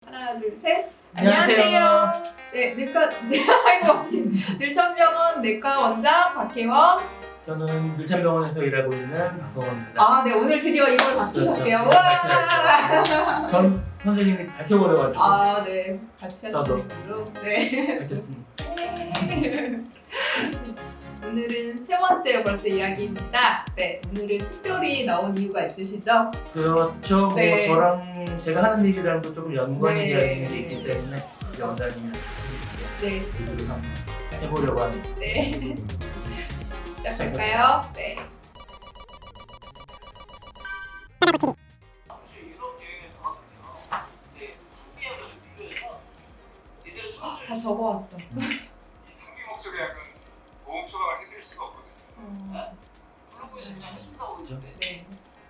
하나, 둘, 셋. 안녕하세요. 안녕하세요. 네, 늘천병원 내과 원장 박혜원. 저는 밀천병원에서 일하고 있는 박성원입니다. 아, 네, 오늘 드디어 이걸 맞추셨게요. 그렇죠. 와. 전 선생님이 밝혀버려가지고 아, 네, 같이 저도. 하시는 걸로. 네. 밝혔습니다. 오늘은 세 번째 벌써 이야기입니다. 네, 오늘은 특별히 나온 이유가 있으시죠? 그렇죠. 네. 뭐 저랑 제가 하는 일이랑도 조금 연관이 네. 되어 있는 게 있기 때문에 이제 원장님이 네, 얘기를 한번 해보려고 합니다. 네. 시작할까요? 네. 다 적어왔어. 상비 목적의 약은 보험 처방을 해드릴 수가 없거든요. 그죠? 네.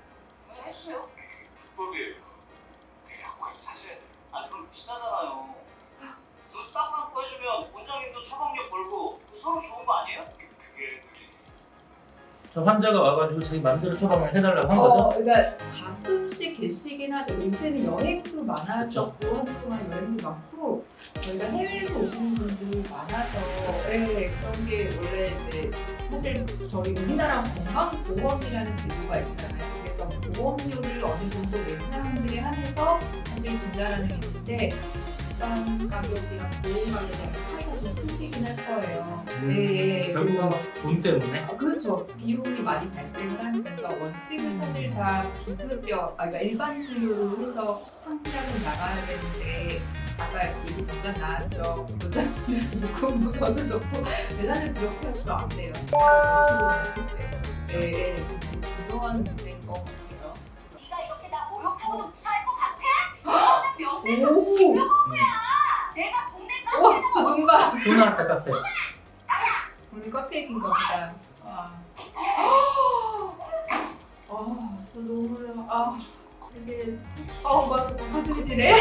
불법이에요. 그 약국에서 사셔야 돼요. 아니 그럼 비싸잖아요. 그 싸구려고 해주면 원장님도 처방료 벌고 서로 좋은 거 아니에요? 그게 저 환자가 와가지고 자기 마음대로 처방을 해달라고 한 거죠? 그러니까 가끔씩 계시긴 하죠. 요새는 여행도 많았었고 한동안 여행도 많고 저희가 해외에서 오시는 분들이 많아서 네, 그런 게 원래 이제 사실 저희 우리나라 건강보험이라는 제도가 있잖아요. 그래서 보험료를 어느 정도 낸 사람들에 한해서 사실 진단하는 게 있는데 일반 가격이랑 보험 가격이랑 차이가 좀 크시긴 할 거예요. 네, 결국은 돈 때문에 그렇죠. 비용이 많이 발생을 하면서 원칙은 사실 다 비급여, 그러니까 일반 진료로 해서 상비약은 나가야 되는데 아까 얘기 잠깐 나왔죠. 원장님도 좋고 뭐 저도 좋고 근데 사실 그렇게 하시면 안 돼요. 원칙대로. 네, 되게 중요한 문제인 것 같아요. 네가 이렇게 나 모욕하고도 못할 것 같아? 너는 명예가 오! 내가 동네까지 와, 저 눈봐. 또 나왔다 카페. 오늘 커피 얘기인가 보다. 저 너무 되게 막 가슴이 뛰네.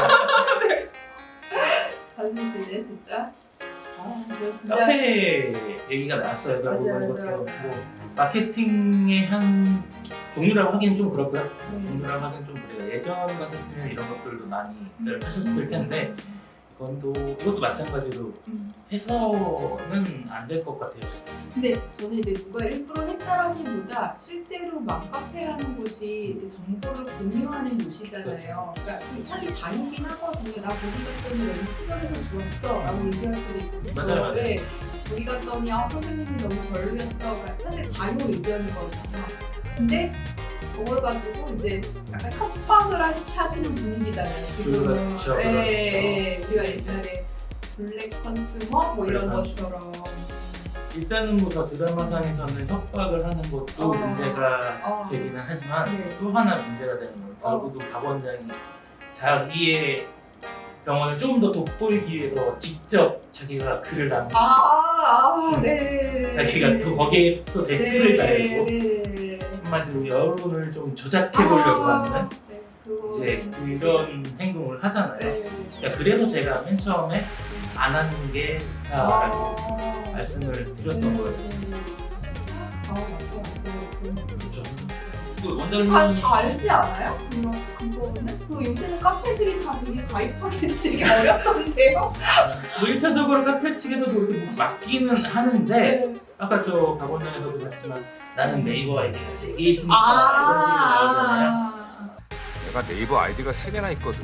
가슴이 뛰네 진짜. 저 진짜. 카페 얘기가 나왔어요. 맞아요, 결국은 맞아요, 그것도. 맞아요. 뭐 마케팅의 한 종류라고 하기는 좀 그렇고요. 네. 종류라고 하기는 좀 그래요. 예전 같았으면 이런 것들도 많이 하셨을 텐데 이것도 마찬가지로 해서는 안 될 것 같아요. 근데 저는 이제 누가 일부러 했다라기보다 실제로 맘카페라는 곳이 이렇게 정보를 공유하는 곳이잖아요. 그러니까 사실 자유긴 하거든요. 나 거기 갔더니 여기 친절해서 좋았어 라고 얘기할 수도 있고 맞아요. 네, 거기 갔더니 선생님이 너무 별로였어. 그러니까 사실 자유 의견이거든요. 근데 저걸 가지고 이제 약간 협박을 하시는 분위기잖아요. 지금 그렇죠, 우리가 옛날에 블랙 컨슈머 뭐 이런 블랙 것처럼 일단은 뭐 저 드라마상에서는 협박을 하는 것도 문제가 되기는 하지만 네. 또 하나 문제가 되는 거예요. 결국은 박 원장이 자기의 병원을 조금 더 돋보이기 위해서 직접 자기가 글을 남기고 네. 자기가 또 거기에 또 댓글을 달고 네. 한마디로 여론을 좀 조작해 보려고 하는 네. 그거 이제 이런 행동을 하잖아요. 네. 그러니까 그래서 제가 맨 처음에 안 하는 게 좋다라고 말씀을 드렸던 거예요. 그렇죠. 그 원장님 다 알지 않아요? 그거는? 그리고 요새는 카페들이 다 되게 가입하기 되게 어렵던데요? 뭐 1차적으로 카페 측에서도 이렇게 뭐 맡기는 하는데 아까 저 박 원장에서도 봤지만 나는 네이버 아이디가 3개 있으니까 이런 식으로 나오잖아요. 내가 네이버 아이디가 3개나 있거든.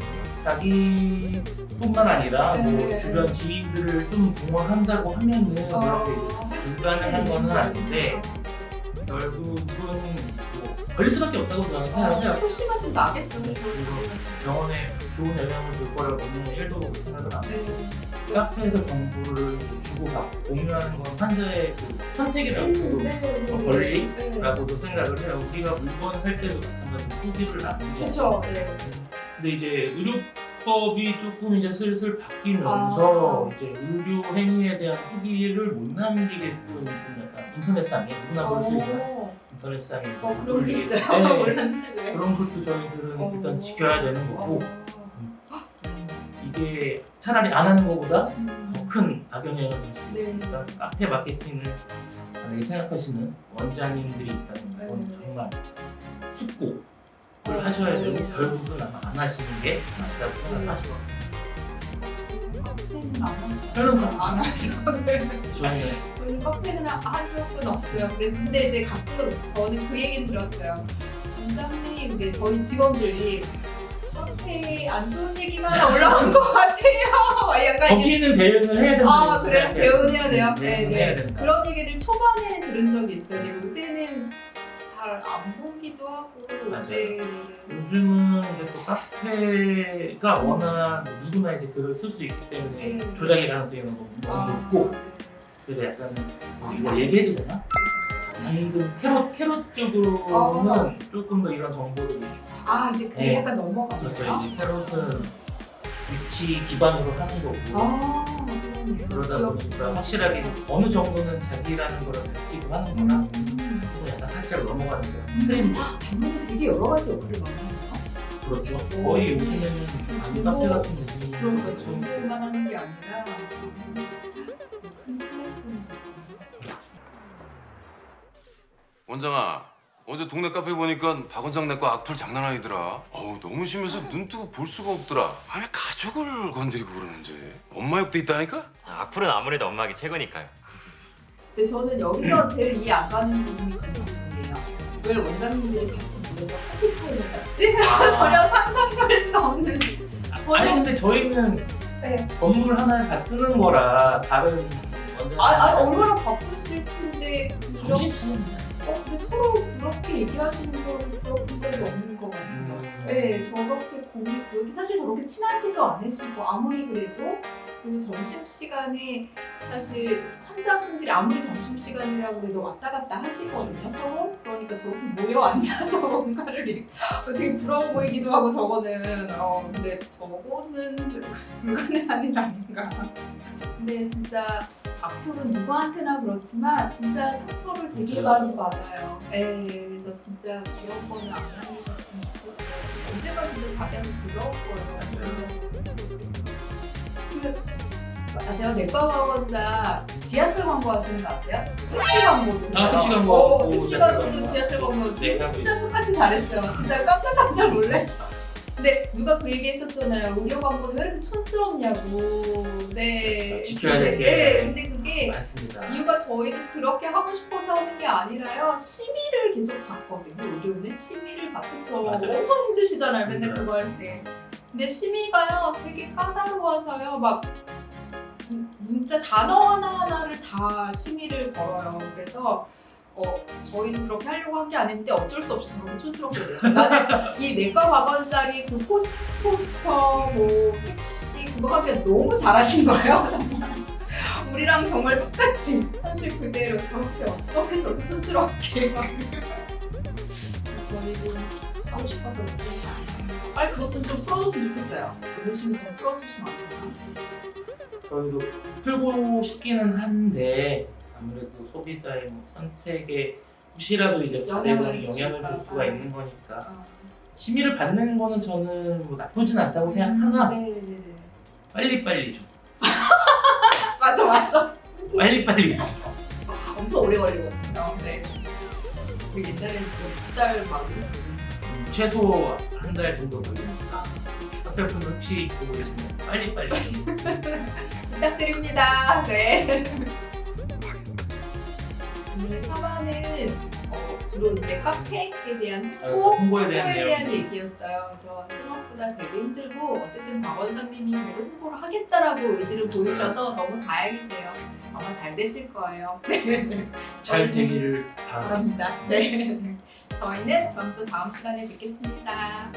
자기뿐만 아니라 뭐 네. 주변 지인들을 좀 동원한다고 하면은 이렇게 불가능한 거는 아닌데 결국은 뭐 걸릴 수밖에 없다고 저는 생각해요. 표시가 좀 나겠죠. 네, 그리고 병원에 좋은 영향을 줄 거라고는 1도 생각은 안 해요. 카페에서 정보를 주고받고 공유하는 건 환자의 그 선택이라고 권리라고도 생각을 해요. 우리가 물건 살 때도 마찬가지로 후기를 남기죠. 그렇죠. 네. 근데 이제 의료법이 조금 이제 슬슬 바뀌면서 이제 의료 행위에 대한 후기를 못 남기게끔 좀 약간 인터넷상에 누구나 볼 수 있는 인터넷상에 못 그런 게 돌리게 있어요. 네. 몰랐는데. 그런 것도 저희들은 일단 지켜야 되는 거고 이게 차라리 안 하는 것보다 더 큰 악영향을 줄 수 네. 있으니까 카페 마케팅을 만약에 생각하시는 원장님들이 있다면 이건 네. 정말 숙고 하셔야 되고 결국은 아마 안 하시는 게 낫다고 생각하시거든요. 카페는 안 하죠. 저는 안 하죠. 네. 저희는 카페는 한 적은 없어요. 근데 이제 가끔 저는 그 얘기는 들었어요. 원장님 이제 저희 직원들이 카페에 안 좋은 얘기만 올라온 것 같아요. 약간 거기는 대응을 해야 된다. 아 그래요? 대응해야 돼요? 대응을 해야 된다. 그런 얘기를 초반에는 들은 적이 있어요. 근데 요새는 잘 안 보기도 하고. 맞아요. 네. 요즘은 이제 또 카페가 워낙 누구나 이제 글을 쓸 수 있기 때문에 네. 조작의 가능성이 너무 높고 그래서 약간 이거 얘기해도 되나? 방금 캐롯 쪽으로는 조금 더 이런 정보들이 이제 그게 네. 약간 넘어가네요. 그렇죠. 이제 캐롯은 위치 기반으로 하는 거고 그러네요. 그러다 지역 보니까 확실하게 어느 정도는 자기라는 걸 느끼고 하는 거나 또 약간 살짝 넘어가는 거 틀린 거 방문이 되게 여러 가지 역할을 많이 하네요. 그렇죠. 거의 요즘에는 안 카페 같은 느낌이 그러니까 좀 정보만 하는 게 아니라 큰 플랫폼이 원장아, 어제 동네 카페 보니까 박 원장 내 거 악플 장난 아니더라. 어우, 너무 심해서 눈 뜨고 볼 수가 없더라. 아, 왜 가족을 건드리고 그러는지. 엄마 욕도 있다니까? 악플은 아무래도 엄마기 최고니까요. 근데 저는 여기서 제일 이해 안 가는 부분이 그 부분이에요. 왜 원장님들이 같이 모여서 커피 타임을 갖지? 전혀 상상도 할 수 없는. 아니 근데 저희는 네. 건물 하나를 다 쓰는 거라 다른 얼마나 바쁘실 텐데 그런 점심시간 근데 서로 그렇게 얘기하시는 거를 들어본 적이 없는 것 같아요. 네, 저렇게 고민지 사실 저렇게 친하지도 않으시고 아무리 그래도 그리고 점심시간에 사실 환자분들이 아무리 점심시간이라고 해도 왔다 갔다 하시거든요, 서로. 그러니까 저렇게 모여 앉아서 뭔가를 이렇게 되게 부러워 보이기도 하고 저거는 근데 저거는 불가능한 일 아닌가. 근데 진짜 악플은 누구한테나 그렇지만 진짜 상처를 되게 맞아요. 많이 받아요. 그래서 진짜 그런 거는 안 하셨으면 좋겠어요. 언제가 진짜 자기한테 부러울 거예요. 진짜. 아세요? 넥바바원자 지하철 광고 하시는 거 아세요? 택시 광고도. 택시 광고. 택시 광고도 지하철 광고 진짜 똑같이 잘했어요. 진짜 깜짝 놀래. 근데 누가 그 얘기 했었잖아요. 의료 광고는 왜 이렇게 촌스럽냐고. 네. 지켜야 될 게. 네. 근데 그게 많습니다. 이유가 저희도 그렇게 하고 싶어서 하는 게 아니라요. 심의를 계속 받거든요. 의료는 심의를 받죠. 맞아요. 엄청 힘드시잖아요. 맨날 맞아요. 그거 할 때. 근데 심의가요 되게 까다로워서요. 막 문자 단어 하나하나를 다 심의를 걸어요. 그래서 저희도 그렇게 하려고 한 게 아닌데 어쩔 수 없이 저렇게 촌스럽게 돼요. 나는 이 내과 박원장이 그 포스터 뭐 택시 그거 하기가 너무 잘하신 거예요. 정말 우리랑 정말 똑같이 현실 그대로 저렇게 어떻게 저렇게 촌스럽게 막 저희도 하고 싶어서 그렇게 빨리 그것 좀 풀어줬으면 좋겠어요. 그 열심히 좀 풀어주시면 안 되나? 저희도 풀고 싶기는 한데 아무래도 소비자의 뭐 선택에 혹시라도 이제 영향을 영향을 줄 수가 있는 거니까 아. 심의를 받는 거는 저는 뭐 나쁘진 않다고 생각하나 네네네. 빨리빨리 좀 맞아. 빨리빨리 좀 엄청 오래 걸리거든요. 네. 우리 옛날에는 두달 막. 최소 한 달 정도 걸리니까 카페분 혹시 보고 계시면 빨리빨리 좀 부탁드립니다. 네. 오늘 3화는 주로 이제 카페에 대한 홍보에 대한 내용 얘기였어요. 저 생각보다 되게 힘들고 어쨌든 박 원장님이 그래도 홍보를 하겠다라고 의지를 보이셔서 너무 다행이세요. 아마 잘 되실 거예요. 네. 잘 되기를 바랍니다. 바랍니다. 네. 저희는 그럼 또 다음 시간에 뵙겠습니다.